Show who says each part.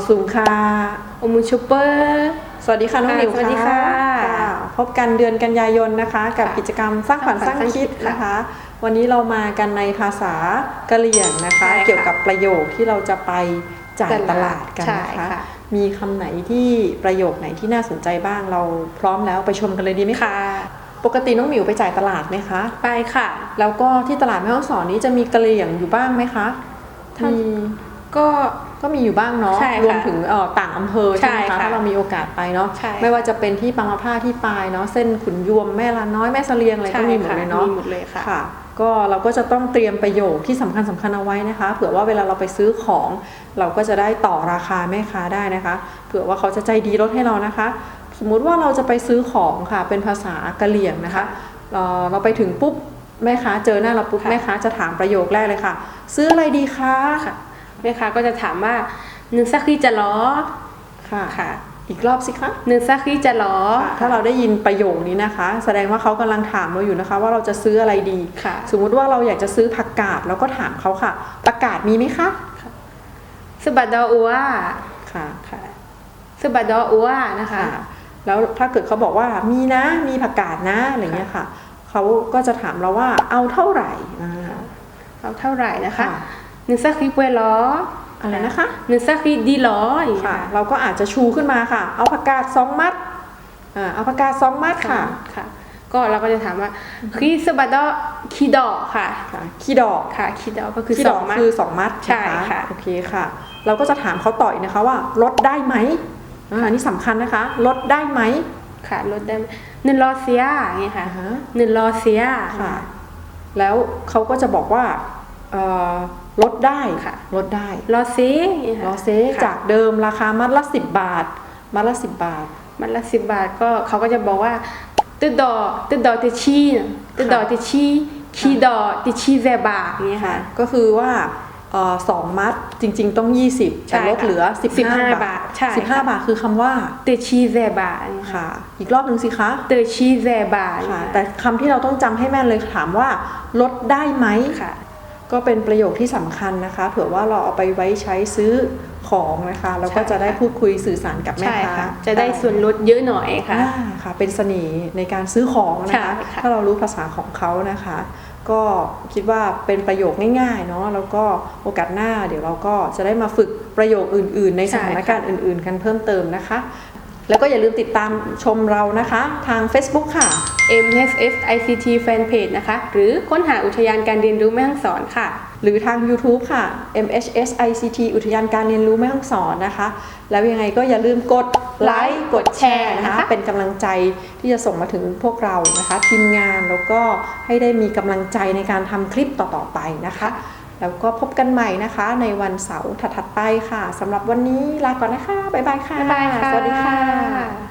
Speaker 1: ซุงค่ะ
Speaker 2: โอมูชูเปอร์
Speaker 1: สวัสดีค่ะน้องหมิว
Speaker 2: สวัสดีค่ะ
Speaker 1: พบกันเดือนกันยายนนะคะกับกิจกรรมสร้างฝันสร้างคิดนะคะวันนี้เรามากันในภาษากะเหรี่ยงนะคะเกี่ยวกับประโยคที่เราจะไปจ่ายตลาดกันนะคะมีคำไหนที่ประโยคไหนที่น่าสนใจบ้างเราพร้อมแล้วไปชมกันเลยดีไหมคะปกติน้องหมิวไปจ่ายตลาดไหมคะ
Speaker 2: ไปค่ะ
Speaker 1: แล้วก็ที่ตลาดแม่ฮ่องสอนนี้จะมีกะเหรี่ยงอยู่บ้างไหมคะมีก็มีอยู่บ้างเนาะรวมถึงต่างอำเภอใช่ไหมคะถ้าเรามีโอกาสไปเนาะไม่ว่าจะเป็นที่บางมะพร้าวที่ปายเนาะเส้นขุนยวมแม่ลาน้อยแม่เสลียงอะไรก็มีหมดเลยเนาะ
Speaker 2: มีหมดเลยค่ะ
Speaker 1: ก็เราก็จะต้องเตรียมประโยคที่สำคัญเอาไว้นะคะเผื่อว่าเวลาเราไปซื้อของเราก็จะได้ต่อราคาแม่ค้าได้นะคะเผื่อว่าเขาจะใจดีลดให้เรานะคะสมมุติว่าเราจะไปซื้อของค่ะเป็นภาษากะเหรี่ยงนะคะเราไปถึงปุ๊บแม่ค้าเจอหน้าเราปุ๊บแม่ค้าจะถามประโยคแรกเลยค่ะซื้ออะไรดีคะ
Speaker 2: แม่ค้าก็จะถามว่าหนึ่งซักที่จะล้อ
Speaker 1: ค่ะอีกรอบสิคะ
Speaker 2: หนึ่งซักที่จะล้อ
Speaker 1: ถ้าเราได้ยินประโยคนี้นะคะแสดงว่าเขากำลังถามเราอยู่นะคะว่าเราจะซื้ออะไรดีสมมุติว่าเราอยากจะซื้อผักกาดเราก็ถามเขาค่ะผักกาดมีไหมคะ
Speaker 2: สบัดดออัว
Speaker 1: ค่ะ
Speaker 2: สบัดดออัวนะคะ
Speaker 1: แล้วถ้าเกิดเขาบอกว่ามีนะมีผักกาดนะอะไรเงี้ยค่ะเขาก็จะถามเราว่าเอาเท่าไหร่
Speaker 2: เอาเท่าไหร่นะคะหนึ่งซักที่เปล้อ
Speaker 1: อะไรนะคะ
Speaker 2: หนึ่งซักที่ดีล้อ
Speaker 1: ค่ะเราก็อาจจะชูขึ้นมาค่ะเอาผักกาด2 มัดเอาผักกาด2 มัดค่ะ
Speaker 2: ก็เราก็จะถามว่าคีสบัดดอคีดอกค่ะ
Speaker 1: คีดอก
Speaker 2: ค่ะคีดอกก็คือ
Speaker 1: 2 มัดคือ2 มัด
Speaker 2: ใช่ค่ะ
Speaker 1: โอเคค่ะเราก็จะถามเขาต่ออีกนะคะว่าลดได้ไหมอันนี้สำคัญนะคะลดได้ไหม
Speaker 2: ค่ะลดได้หนึ่งรอเสียอย่างนี้ค่ะหนึ่งรอเสีย
Speaker 1: ค่ะแล้วเขาก็จะบอกว่าลดได้
Speaker 2: ค่ะ
Speaker 1: ลดได้
Speaker 2: รอเซ
Speaker 1: จากเดิมราคามัดละ10 บาทมัดละ10 บาท
Speaker 2: มัดละ10 บาทก็เขาก็จะบอกว่าตึดดอติชีคีดอติชีแซบาอย่างนี้ค่ะ
Speaker 1: ก็คือว่า2 มัดจริงๆต้อง20แต่ลดเหลือ15 บาท15 บาทคือคำว่า
Speaker 2: เตชีแซบา
Speaker 1: ค่ะอีกรอบนึงสิคะ
Speaker 2: เตชีแซบา
Speaker 1: ค่ะแต่คำที่เราต้องจำให้แม่นเลยถามว่าลดได้ไหม
Speaker 2: ค่ะ
Speaker 1: ก็เป็นประโยคที่สำคัญนะคะเผื่อว่าเราเอาไปไว้ใช้ซื้อของนะคะแล้วก็จะได้พูดคุยสื่อสารกับแม่ค้า
Speaker 2: จะได้ส่วนลดเยอะหน่อยค่ะ
Speaker 1: เป็นเสน่ห์ในการซื้อของนะคะถ้าเรารู้ภาษาของเขานะคะก็คิดว่าเป็นประโยคง่ายๆเนาะแล้วก็โอกาสหน้าเดี๋ยวเราก็จะได้มาฝึกประโยคอื่นๆในสถานการณ์อื่นๆกันเพิ่มเติมนะคะแล้วก็อย่าลืมติดตามชมเรานะคะทาง Facebook ค่ะ
Speaker 2: MHS ICT Fanpage นะคะหรือค้นหาอุทยานการเรียนรู้แม่ฮ่องสอนค่ะ
Speaker 1: หรือทาง YouTube ค่ะ MHS ICT อุทยานการเรียนรู้แม่ฮ่องสอนนะคะแล้วยังไงก็อย่าลืมกดไลค์กดแชร์นะคะเป็นกำลังใจที่จะส่งมาถึงพวกเรานะคะทีมงานแล้วก็ให้ได้มีกำลังใจในการทำคลิปต่อๆไปนะคะแล้วก็พบกันใหม่นะคะในวันเสาร์ถัดๆไปค่ะสำหรับวันนี้ลาก่อนนะคะบ๊ายบายค่ะ
Speaker 2: สวัสดีค่ะ